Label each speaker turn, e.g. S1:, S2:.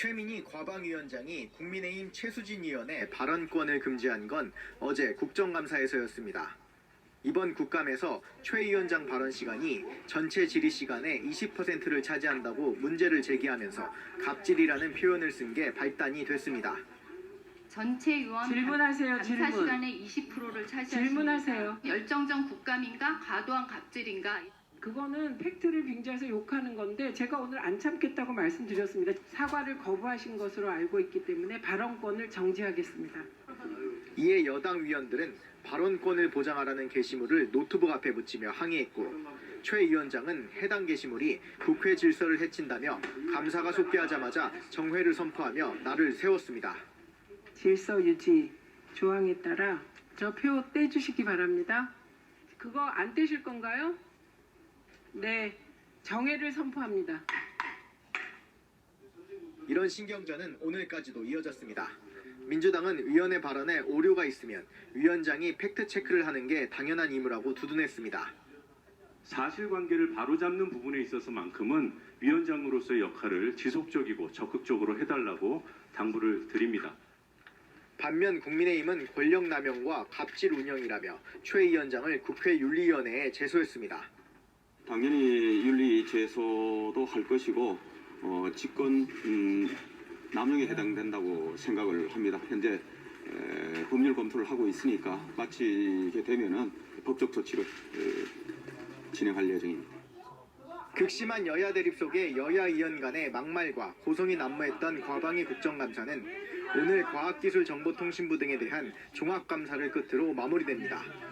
S1: 최민희 과방위원장이 국민의힘 최수진 의원의 발언권을 금지한 건 어제 국정감사에서였습니다. 이번 국감에서 최 위원장 발언 시간이 전체 질의 시간의 20%를 차지한다고 문제를 제기하면서 갑질이라는 표현을 쓴 게 발단이 됐습니다.
S2: 전체 의원
S3: 질문하세요.
S2: 감사
S3: 질문.
S2: 시간의 20%를 차지하십니다.
S3: 질문하세요.
S2: 열정적 국감인가 과도한 갑질인가?
S3: 그거는 팩트를 빙자해서 욕하는 건데 제가 오늘 안 참겠다고 말씀드렸습니다. 사과를 거부하신 것으로 알고 있기 때문에 발언권을 정지하겠습니다.
S1: 이에 여당 위원들은 발언권을 보장하라는 게시물을 노트북 앞에 붙이며 항의했고 최 위원장은 해당 게시물이 국회 질서를 해친다며 감사가 속개하자마자 정회를 선포하며 날을 세웠습니다.
S3: 질서 유지 조항에 따라 저 표 떼주시기 바랍니다. 그거 안 떼실 건가요? 네, 정회를 선포합니다.
S1: 이런 신경전은 오늘까지도 이어졌습니다. 민주당은 위원의 발언에 오류가 있으면 위원장이 팩트체크를 하는 게 당연한 임무라고 두둔했습니다.
S4: 사실관계를 바로잡는 부분에 있어서만큼은 위원장으로서의 역할을 지속적이고 적극적으로 해달라고 당부를 드립니다.
S1: 반면 국민의힘은 권력남용과 갑질 운영이라며 최 위원장을 국회 윤리위원회에 제소했습니다.
S5: 당연히 윤리 제소도 할 것이고 직권 남용에 해당된다고 생각을 합니다. 현재 법률 검토를 하고 있으니까 마치게 되면은 법적 조치를 진행할 예정입니다.
S1: 극심한 여야 대립 속에 여야 의원 간의 막말과 고성이 난무했던 과방위 국정감사는 오늘 과학기술정보통신부 등에 대한 종합감사를 끝으로 마무리됩니다.